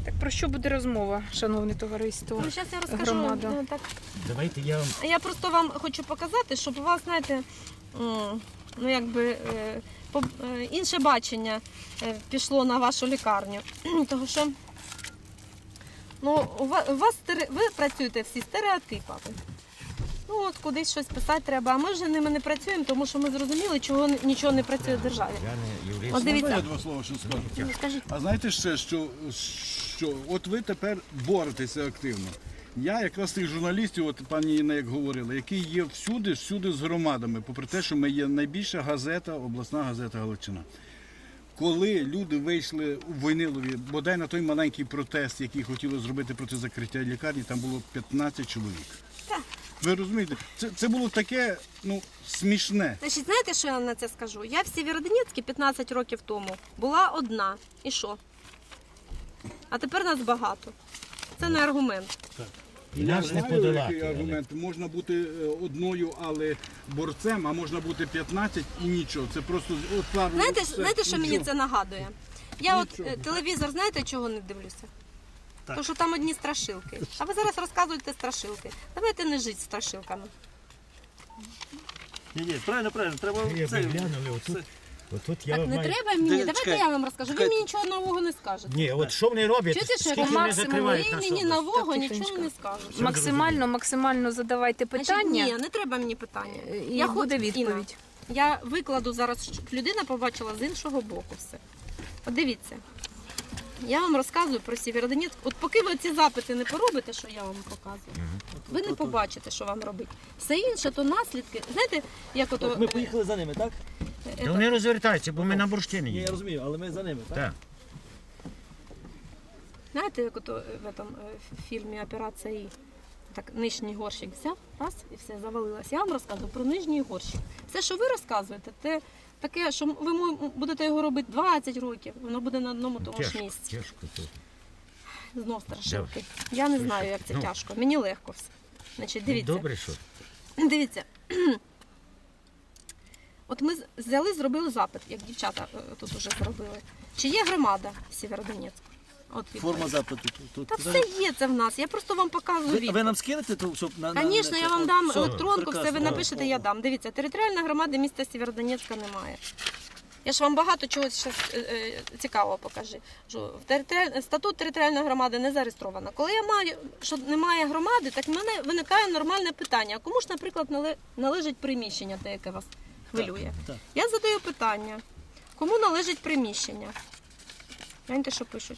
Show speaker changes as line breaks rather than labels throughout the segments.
Так про що буде розмова, шановне товариство?
Ну, зараз я розкажу.
Громада.
Так.
Давайте я вам...
Я просто вам хочу показати, щоб у вас, знаєте, ну якби інше бачення пішло на вашу лікарню. Тому що ну, ви працюєте всі стереотипами. Ну от кудись щось писати треба, а ми вже ними не працюємо, тому що ми зрозуміли, чого нічого не працює в державі.
Я не юрист.
От дивіться.
Я два слова що скажу.
Ну, скажіть.
А знаєте ще, що от ви тепер боретеся активно. Я якраз з тих журналістів, от пані Інна як говорила, які є всюди з громадами, попри те, що ми є найбільша газета, обласна газета Галичина. Коли люди вийшли у Войнилові, бодай на той маленький протест, який хотіли зробити проти закриття лікарні, там було 15 чоловік.
Так.
Ви розумієте, це було таке, ну, смішне.
Значить, знаєте, що я на це скажу? Я в Сєвєродонецьку 15 років тому була одна. І що? А тепер нас багато. Це не аргумент.
І нас не
Знаю,
подолати.
який аргумент. Можна бути одною, але борцем, а можна бути 15 і нічого. Це просто от пару...
Знаєте, що мені це нагадує? Я
Нічого.
от телевізор, знаєте, чого не дивлюся? Тому що там одні страшилки. А ви зараз розказуєте страшилки. Давайте не жити страшилками.
Ні, правильно, треба
Я
це.
глянули, отут я
Так не
маю...
треба мені, давайте
Чекай,
я вам розкажу. Ви
чекайте.
мені нічого нового не скажете.
Ні, от що вони роблять,
Чуєте, що я
скільки
кажу?
вони
Максимум,
закривають
Ви
нас
мені
область.
нового
Так,
нічого
тихенько.
не скажете.
Максимально задавайте
Значить,
питання,
ні, не треба мені питання.
і буде
Інна,
відповідь.
я викладу зараз, щоб людина побачила з іншого боку все. От дивіться, я вам розказую про Сєвєродонецьк. От поки ви ці запити не поробите, що я вам показую, ви не побачите, що вам робити. Все інше, то наслідки. Знаєте, як ото...
Ми поїхали за ними, так?
Та вони розвертаються, бо ми на бурштині
Ні, я
їдемо.
розумію, але ми за ними, так?
Так.
Знаєте, як ото в этом фільмі «Операція І». Так, нижній горщик взяв, раз, і все, завалилось. Я вам розказую про нижній горщик. Все, що ви розказуєте, це таке, що ви будете його робити 20 років, воно буде на одному тому ж місці.
Тяжко тут.
Знов страшилки. Я не знаю, як це
Ну.
тяжко. Мені легко все. Значить, дивіться.
Добре, що?
Дивіться. От ми зробили запит, як дівчата тут вже зробили. Чи є громада в Сєвєродонецьку? От відповідь.
Форма запиту. Тут.
Та все є це в нас. Я просто вам показую
Ви
відповідь.
нам скинете, то, щоб на...
Звісно, я вам дам електронку, все ви
прекрасно.
напишете, я дам. Дивіться, територіальної громади міста Сєвєродонецька немає. Я ж вам багато чого зараз цікавого покажу. Статут територіальної громади не зареєстровано. Коли я маю, що немає громади, так в мене виникає нормальне питання. А кому ж, наприклад, належить приміщення, те, яке вас хвилює?
Так.
Я задаю питання, кому належить приміщення? Гляньте, що пишуть.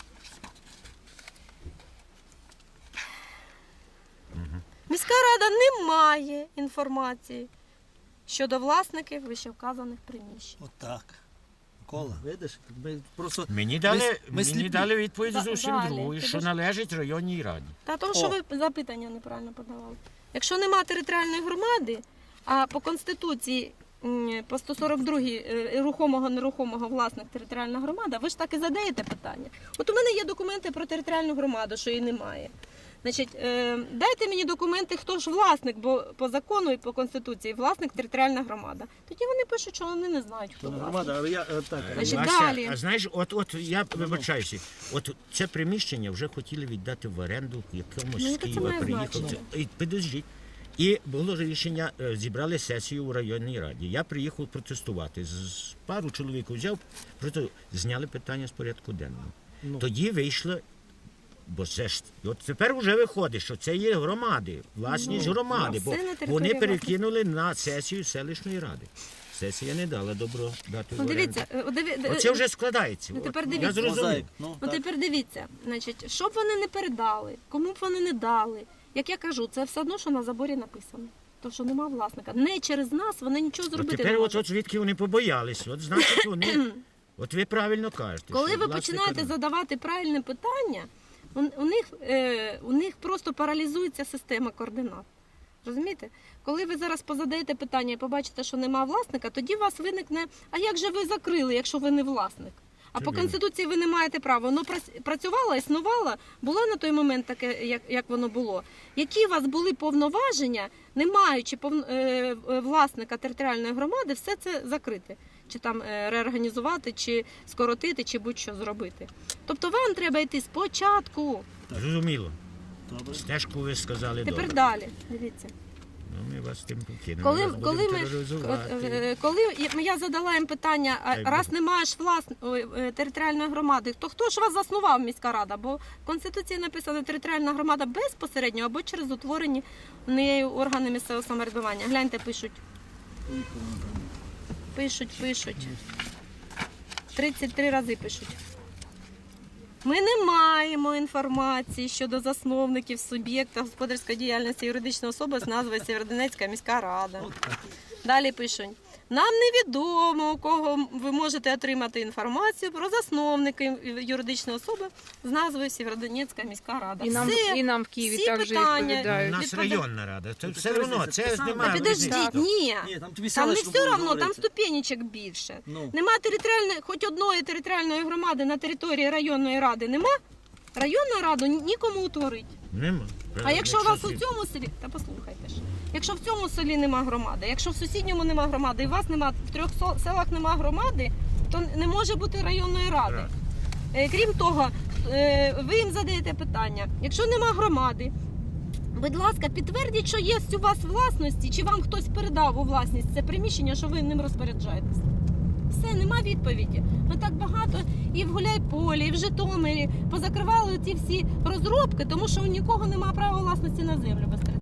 Міська рада не має інформації щодо власників вищевказаних приміщень.
Отак. Микола, видиш? Ми просто...
Мені
ми сліпі.
дали відповідь зовсім
Далі.
другу, що
Підожди.
належить районній раді.
Та тому, що ви запитання неправильно подавали. Якщо немає територіальної громади, а по Конституції по 142-й рухомого-нерухомого власник територіальна громада, ви ж так і задаєте питання. От у мене є документи про територіальну громаду, що її немає. Значить, дайте мені документи, хто ж власник, бо по закону і по Конституції власник територіальна громада. Тоді вони пишуть, що вони не знають, хто
То не
власник.
громада, але я... Так.
Значить,
Вася,
далі.
а знаєш, от я вибачаюся, от це приміщення вже хотіли віддати в оренду якомусь
Ну,
з
яке це
Києва
має
приїхав.
значення?
Підождіть. І було рішення, зібрали сесію у районній раді. Я приїхав протестувати. Пару чоловік взяв, просто зняли питання з порядку денного. Тоді вийшло, бо це ж, от тепер вже виходить, що це є громади, власність громади,
це
бо
не територія
вони
власності.
перекинули на сесію селищної ради. Сесія не дала добро дати в
Ну,
оренду.
дивіться,
Оце вже складається.
Ну,
От.
тепер
Я
дивіться.
зрозумів.
Мозаїк. Ну,
Ну
так.
тепер дивіться, значить, що б вони не передали, кому б вони не дали. Як я кажу, це все одно, що на заборі написано. То, що нема власника. Не через нас вони нічого
От
зробити
тепер
не
от
можуть.
звідки вони побоялись. От значить вони. От ви правильно кажете.
Коли
що
ви
власника
починаєте
нема.
задавати правильне питання, у них просто паралізується система координат. Розумієте? Коли ви зараз позадаєте питання і побачите, що нема власника, тоді у вас виникне, а як же ви закрили, якщо ви не власник? А по Конституції ви не маєте права. Воно працювало, існувало, було на той момент таке, як воно було. Які у вас були повноваження, не маючи власника територіальної громади, все це закрити? чи там реорганізувати, чи скоротити, чи будь-що зробити. Тобто вам треба йти спочатку.
Зрозуміло.
Добре.
Стежку ви сказали
Тепер
добре.
далі. Дивіться.
Ну, ми вас тим покинемо.
Коли,
Вас
коли,
будемо
ми,
тероризувати.
коли я задала їм питання, а
Дай
раз не маєш територіальної громади, то хто ж вас заснував, міська рада? Бо в Конституції написано територіальна громада безпосередньо або через утворені нею органи місцевого самоврядування. Гляньте, пишуть. Пишуть. 33 рази пишуть. Ми не маємо інформації щодо засновників суб'єкта господарської діяльності юридичної особи з назвою Сєвєродонецька міська рада. Далі пишуть. Нам невідомо, у кого ви можете отримати інформацію про засновників юридичної особи з назвою Сєвєродонецька міська рада.
І нам в Києві
всі
також
питання
У
відповідають.
нас районна рада. Це все
Яка
одно,
різниця?
це
Те саме.
немає.
Та підождіть,
Так.
ні.
Ні, там тобі
Там не
селищно
все
буде
одно, там
говорити.
ступенечок більше.
Ну.
Нема територіальної, хоч одної територіальної громади на території районної ради нема, районну раду нікому утворить.
Нема.
А якщо у вас у
Якщо
цьому селі, та послухайте ж, якщо в цьому селі нема громади, якщо в сусідньому нема громади, і у вас нема, в 3 селах нема громади, то не може бути районної ради.
Так.
Крім того, ви їм задаєте питання, якщо нема громади, будь ласка, підтвердіть, що є у вас власності, чи вам хтось передав у власність це приміщення, що ви ним розпоряджаєтесь. Все, нема відповіді. Ми так багато і в Гуляйполі, і в Житомирі позакривали ці всі розробки, тому що у нікого немає права власності на землю без